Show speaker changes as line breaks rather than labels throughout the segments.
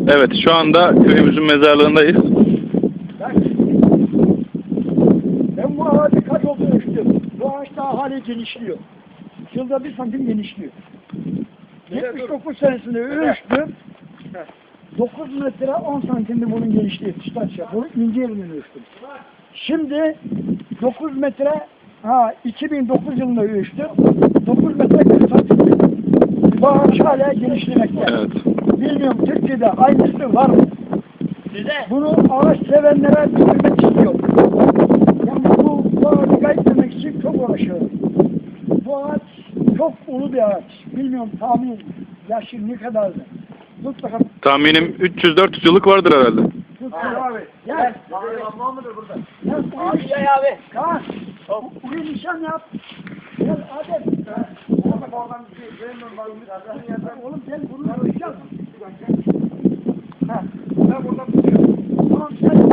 Evet, şu anda köyümüzün mezarlığındayız.
Ben bu ağacı kaç olduğunu ölçtüm. Bu ağaç daha hala genişliyor. Yılda 1 santim genişliyor. 79 senesinde ölçtüm. 9 metre 10 santimdi bunun genişliği. Çıtaçya. Bunu ince yerinden ölçtüm. Şimdi 9 metre 2009 yılında ölçtüm. 9 metre 40 santim. Bu ağaç hala genişlemekte.
Evet.
Bilmiyorum Türkiye'de aynısı var mı? Bunu ağaç sevenlere bildirmek istiyorum. Yani bu ağacı kaybetmek için çok uğraşıyorum. Bu ağaç çok ulu bir ağaç. Bilmiyorum tahmin yaşı ne kadardı. Tut bakalım.
Tahminim 300-400 yıllık vardır herhalde.
Tut abi. Gel.
Var mıdır burada?
Gel.
Abi gel abi.
Kaan. Buraya nişan yap. Gel Adem. Oğlum gel bunu nişan. Ha. Ben buradan tutuyorum. Tamam sen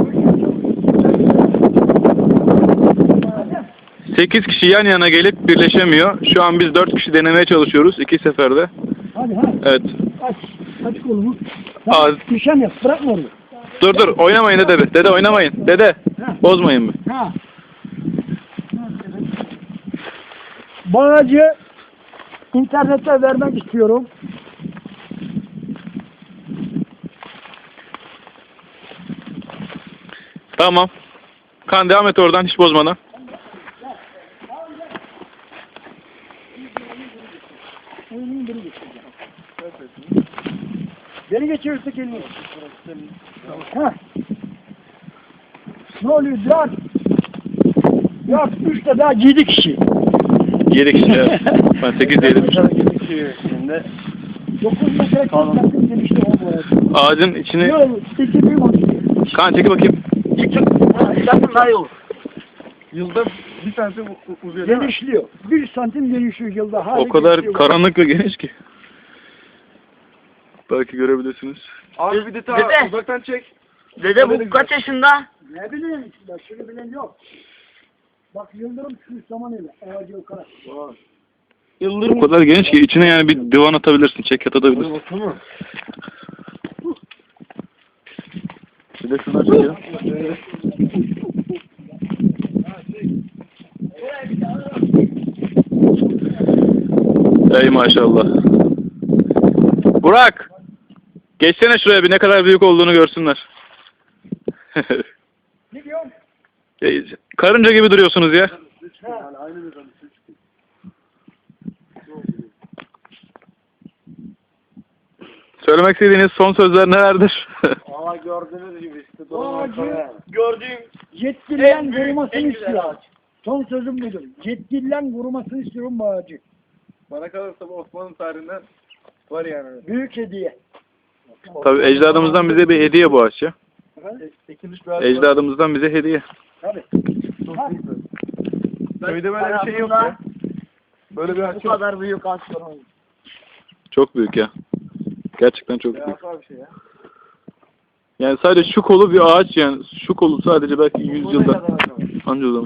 Adem.
8 kişi yan yana gelip birleşemiyor. Şu an biz 4 kişi denemeye çalışıyoruz 2 seferde.
Hadi ha.
Evet.
Aç. Aç kolumu.
Az.
Nişan yap. Bırakma onu.
Dur oynamayın dede. Dede oynamayın. Dede. Bozmayın mı?
Ha. Bu ağacı internete vermek istiyorum.
Tamam. Kan devam et oradan hiç bozmadan.
Beni geçirirse elini. Ha. Ne oluyor? 3 de daha 7 kişi.
7 kişi evet. Ben 8 diyelim.
9 metre kalın demişti o bu arada.
Ağacın içini...
Yok, 8 büyük oldu.
Kan çekil bakayım.
Zaten daha iyi olur.
Yılda 1 santim uzuyor değil mi?
Genişliyor. 1 santim genişliyor yılda. Hala
O kadar
genişliyor.
karanlık ve geniş ki. Belki görebilirsiniz.
Abi bir de ta
Dede.
uzaktan çek.
Dede bu kaç yaşında?
Ne bileyim işte, şunu bilen yok. Bak Yıldırım şu zaman ile ağacı o kadar.
O kadar geniş ki içine yani bir divan atabilirsin, çekyat atabilirsin.
Baksana.
Bir de şundan çekelim. Ey maşallah. Burak! Geçsene şuraya bir ne kadar büyük olduğunu görsünler.
Ne diyorsun?
Karınca gibi duruyorsunuz ya. Söylemek istediğiniz son sözler nelerdir?
Valla gördüğünüz gibi işte.
Bu ağacı
Gördüğüm
yetkililerin korumasını istiyorum. Son sözüm budur. Yetkililerin korumasını istiyorum bu ağacı.
Bana kalırsa bu Osmanlı tarihinden var yani.
Büyük hediye.
Tabii ecdadımızdan bize bir hediye bu ağaç ya.
Ekilmiş bir ağaç var.
Ecdadımızdan bize hediye.
Tabii.
Çok
Ha.
büyük. Köyde böyle bir şey yok ya. Böyle bir
bu
ağaç yok.
kadar büyük ağaç görmedim.
Çok büyük ya. Gerçekten çok büyük.
Devasa bir şey ya.
Yani sadece şu kolu bir ağaç yani. Şu kolu sadece belki 100 yılda anca uzamış.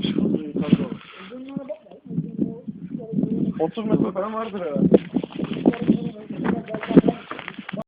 30 metre falan vardır herhalde.